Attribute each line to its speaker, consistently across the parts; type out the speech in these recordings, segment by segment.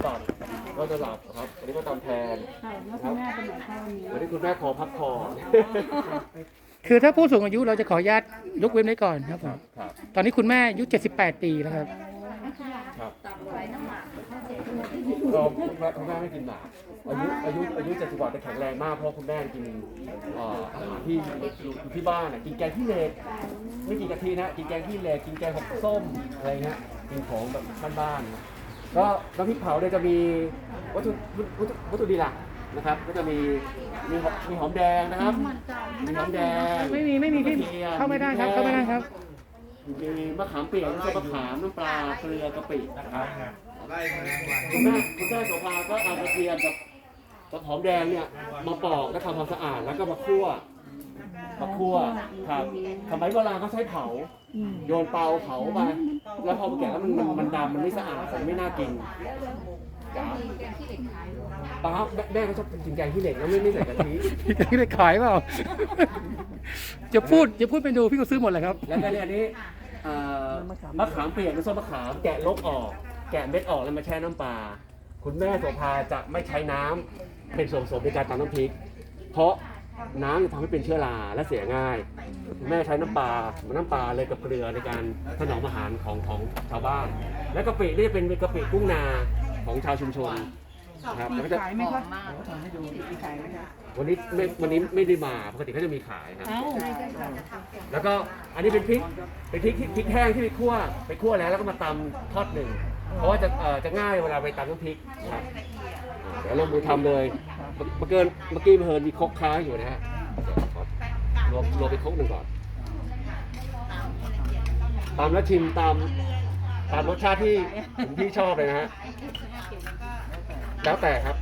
Speaker 1: ก่อนก็จะหลับครับวันนี้ก็ตามแทน
Speaker 2: ค่ะแล้วคุณแม่เป็นไหนคะวันนี้
Speaker 1: วันนี้คุณแม่ขอพักผ่อน
Speaker 3: คือถ้าผู้สูงอายุเราจะขออนุญาตยกเว้นไว้ก่อนครับผม
Speaker 1: ครับ
Speaker 3: ตอนนี้คุณแม่อายุ78 ปีแล้วครับ
Speaker 1: ครับก็คุณแม่ไม่กินหมากอายุ70 กว่าแต่แข็งแรงมากเพราะคุณแม่กินอาหารที่อยู่ที่บ้านกินแกงขี้เหล็กไม่กินกะทินะกินแกงขี้เหล็กกินแกงผักส้มอะไรเงี้ยกินของแบบบ้านๆก็น้ำพริกเผาเนี่ยจะมีวัตถุดิบหลักนะครับก็จะมีหอมแดงนะครับมีหอมแดง
Speaker 3: ไม่มีพี่เข้าไม่ได้ครับเข้าไม่ได้ครับ
Speaker 1: มีมะขามเปียกน้ำส้มมะขามน้ำปลาเกลือกะปินะครับคุณแม่โสภาก็เอากระเทียมกับหอมแดงเนี่ยมาปอกแล้วทำความสะอาดแล้วก็มาคั่วครับสมัยโบราณเขาใช้เผาโยนเตาเผาไปแล้วพอมาแกะแล้วมันดำมันไม่สะอาดมันไม่น่ากินป้าแม่เขาชอบกินแกงขี้เหล็กแล้วไม่ใส่กะทิ
Speaker 3: พี่ได้ขายเปล่า จะพูดไปดูพี่ก็ซื้อหมดเลยครับ
Speaker 1: แล้วก็เนี่ยอันนี้มะขามเปียกน้ำส้มมะขามแกะลกออกแกะเม็ดออกแล้วมาแช่น้ำปลาคุณแม่โสภาจะไม่ใช้น้ำเป็นส่วนผสมในการตำน้ำพริกเพราะน้ำจะทำให้เป็นเชื้อราและเสียง่ายคุณแม่ใช้น้ำปลาเลยกับเกลือในการถนอมอาหารของชาวบ้าน และกะปินี่จะเป็นกะปิกุ้งนาของชาวชุมชนครับแล้วก็จะ
Speaker 2: ขายไหมคะทำให้ดูมีขายไหมคะ
Speaker 1: วันนี้ไม่ได้มาปกติเขาจะมีขายครับ
Speaker 2: เอ้า
Speaker 1: แล้วก็อันนี้เป็นพริกแห้งที่ไปคั่วแล้วก็มาตำทอดหนึ่งเพราะว่าจะง่ายเวลาไปตำน้ำพริกครับเดี๋ยวลงมือทำเลยเมื่อกี้เพลินมีครกค้างอยู่นะฮะรวมไปครกหนึ่งก่อนตำแล้วชิมตามรสชาติที่พี่ชอบเลยนะฮะแล้วแต่ครับ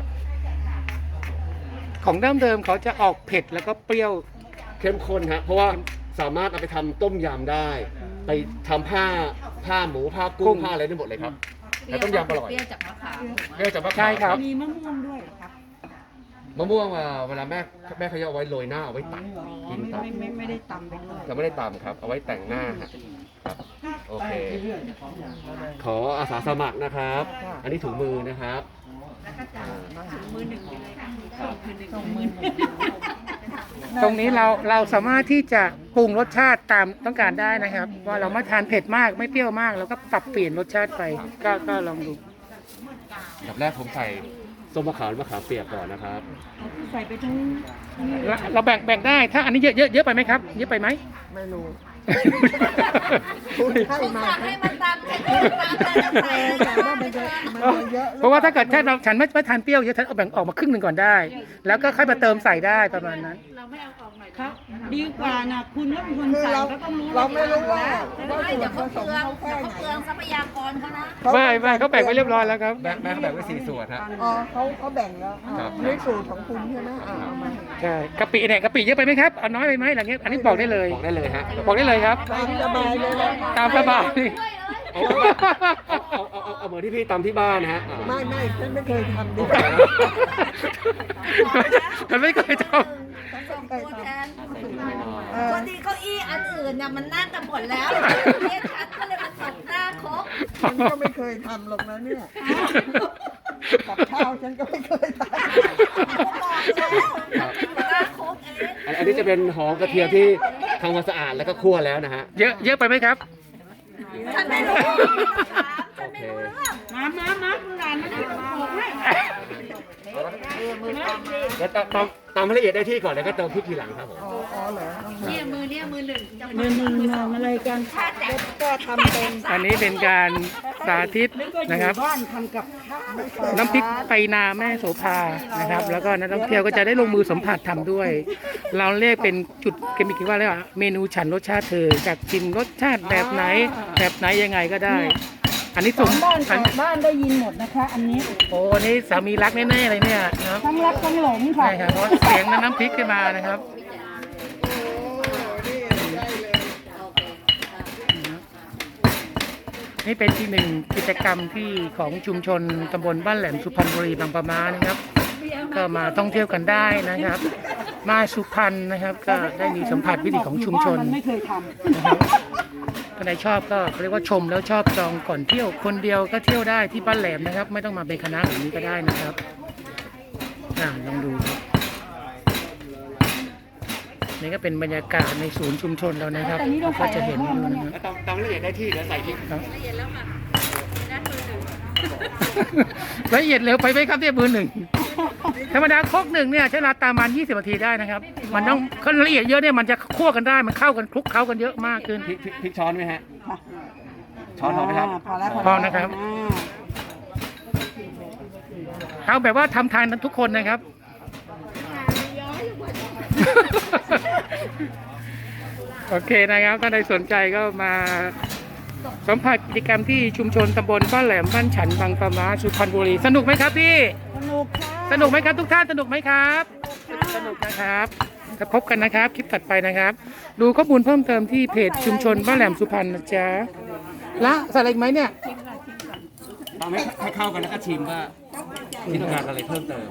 Speaker 3: ของเดิมเขาจะออกเผ็ดแล้วก็เปรี้ยว
Speaker 1: เข้มข้นฮะเพราะว่าสามารถเอาไปทำต้มยำได้ ไปทำผ้าหมูผ้ากุ้งผ้าอะไรได้หมดเลยครับแต่ต้มยำอร่อย
Speaker 4: เปรี้ยวจากมะขาม
Speaker 1: เรียกจากมะ
Speaker 3: ใช่
Speaker 1: ขาม
Speaker 3: ครับ
Speaker 2: มีมะม่วงด้วยเหรอคะ
Speaker 1: มะม่วงเวลาแม่เขาจะเอาไว้โรยหน้าเอาไว้ตัดกินตัด
Speaker 2: ไม่ได้ตำไปก่อน
Speaker 1: จะไม่ได้ตำครับ เอาไว้แต่งหน้าฮะครับโอเคขออาสาสมัครนะครับ อันนี้ถุงมือนะครับ
Speaker 4: มือหนึ่งไปเลยค่ะ
Speaker 1: ครับ
Speaker 2: ส่งมือ
Speaker 3: ตรงนี้เราสามารถที่จะปรุงรสชาติตามต้องการได้นะครับ ว่าเราไม่ทานเผ็ดมากไม่เปรี้ยวมากเราก็ปรับเปลี่ยนรสชาติไปก็ลองดู
Speaker 1: อันดับแรกผมใส่ส้มมะขามเปียกก่อนนะครับ
Speaker 2: ใส่ไปทั้ง
Speaker 3: เราแบ่งได้ถ้าอันนี้เยอะไปไหมครับเยอะไปไหม
Speaker 2: ไม่รู้
Speaker 4: คุณสั่งให้มันตามแค่นี้ตามแต่ละใส่
Speaker 2: แต่ว่ามันเยอะ
Speaker 3: เพราะว่าถ้าเกิดฉันไม่ทานเปรี้ยวเยอะฉันเอาแบ่งออกมาครึ่งหนึ่งก่อนได้ แล้วก็ค่อยมาเติมใส่ได้ประมาณนั้น
Speaker 4: เราไม่เอาออกหน่อย
Speaker 2: ครับดีกว่านะคุณก็เป็นคน
Speaker 5: คือ
Speaker 2: สั่ง
Speaker 5: เรา
Speaker 2: ก็ต้องรู้
Speaker 5: เราไม่รู้ว่า
Speaker 4: ไม่เดี๋ยวเขาเปลือง
Speaker 5: แค่ไหน
Speaker 4: เขาเปลืองทรัพยากรเขานะ
Speaker 3: ไม่เขาแบ่งไว้เรียบร้อยแล้วครับ
Speaker 1: แม่เขาแบ่งไว้4 ส่วนฮะ
Speaker 5: อ๋อเขาแบ่งแล้ว
Speaker 1: ครับ
Speaker 5: นี่สูตรของคุณใช่ไหมเอามา
Speaker 3: ใช่กะปิเนี่ยกะปิเยอะไปไหมครับเอาน้อยไปไหมอะไรเงี้ยอันนี้บอกได้เลย
Speaker 1: บอกได้เลยฮะ
Speaker 3: บอกได้เลยครับ
Speaker 5: ตามสบายเลยนะ
Speaker 3: ตามสบาย
Speaker 1: เอาเหมือนที่พี่ตำที่บ้านนะฮะ
Speaker 5: ไม่ฉันไม่เคยทำดิ
Speaker 3: ฉันไม่เคยท
Speaker 4: ตัวแทนพอดีเก้าอี้อันอื่นน่ะมันนั่งกันหมดแล้วเนี่ยฉันก็เลยมาตบหน้าครบ
Speaker 5: ฉันก็ไม่เคยทำหรอกนะเนี่ยกับข้าวฉันก็ไม่เคยท
Speaker 4: บอกแล้วหน้าครบเอง
Speaker 1: อันนี้จะเป็นหอมกระเทียมที่ทำความสะอาดแล้วก็คั่วแล้วนะฮะ
Speaker 3: ำเยอะไปไหมครับ
Speaker 4: ฉันไม่รู้ฉันไม่รู้เรื่อง
Speaker 2: มาคุณหลานมาที่บอกให้
Speaker 1: แล้วตำให้ละเอียดได้ที่ก่อนแล้วก็เติมพริกทีหลังครับผม
Speaker 5: ำอ๋อเหรอ
Speaker 4: เนี่ยมือหนึ่ง
Speaker 2: มือหนึ่งทำอะไรกัน
Speaker 5: ก็ทำเป็น
Speaker 3: อันนี้เป็นการสาธิตนะครับ
Speaker 2: บ้านทำกับข้าว
Speaker 3: น้ำพริกไปนาแม่โสภานะครับ แล้วก็นักท่องเที่ยวก็จะได้ลงมือสัมผัสทำด้วย เราเรียกเป็นจุดเกมิกว่าเรียกว่าเมนูฉันรสชาติเธอจากชิมรสชาติแบบไหนยังไงก็ได้ อันนี้สม
Speaker 2: บ้าน
Speaker 3: อัน
Speaker 2: บ้านได้ยินหมดนะคะ อันนี้
Speaker 3: โอ้อันนี้สามีรักแน่ๆเลยเนี่ยนะครับ
Speaker 2: ทั้งรักทั้งหลงค่ะ
Speaker 3: ใช่ครับเพราะเสียงน้ำพริกขึ้นมานะครับ นี่เป็นที่หนึ่งกิจกรรมที่ของชุมชนตำบลบ้านแหลมสุพรรณบุรีบางปะมานะครับ ก็มาท่องเที่ยวกันได้นะครับ มาสุพรรณนะครับ ก็ได้มีสัมผัสวิถีของชุมชน
Speaker 2: มันไม่เคยท
Speaker 3: นะครับคนไหนชอบก็เรียกว่าชมแล้วชอบจองก่อนเที่ยวคนเดียวก็เที่ยวได้ที่บ้านแหลมนะครับ ไม่ต้องมาเป็นคณะแบบนี้ก็ได้นะครับลองดูครับนี่ก็เป็นบรรยากาศในศูนย์ชุมชนเรานะครับก็จะเห็นอยู่นะครับ
Speaker 1: ตำละเอียดได้ที่เดี๋ยวใส่พริก
Speaker 3: ละเอียดเร็วไปไหมครับเนี่ยมือหนึ่งธรรมดาครกหนึ่งเนี่ยใช้เวลาประมาณ20 นาทีได้นะครับ มันต้องขั้นละเอียดเยอะเนี่ยมันจะคั่วกันได้มันเข้ากันคลุกเคล้ากันเยอะมากขึ้น
Speaker 1: พริกช้อนไหมฮะช้อนพอไหมครับ
Speaker 5: พอแล้ว
Speaker 3: พอนะครับ เอาแบบว่าทำทานทุกคนนะครับ โอเคนะครับถ้าใครสนใจก็มาสัมผัสกิจกรรมที่ชุมชนตำบลบ้านแหลมบ้านฉันบางปะมาสุพรรณบุรีสนุกไหมครับพี่
Speaker 2: สนุกค่ะ
Speaker 3: สนุกไหมครับทุกท่านสนุกไหมครับสนุกนะครับจะพบกันนะครับคลิปถัดไปนะครับ ดูข้อมูลเพิ่มเติมที่เพจชุมชนบ้านแหลมสุพรรณนะจ๊ะละใส่อะไรอีกไหมเนี่ย
Speaker 1: ตอนให้เข้ากันแล้วก็ชิมว่าที่ต้องการอะไรเพิ่มเติม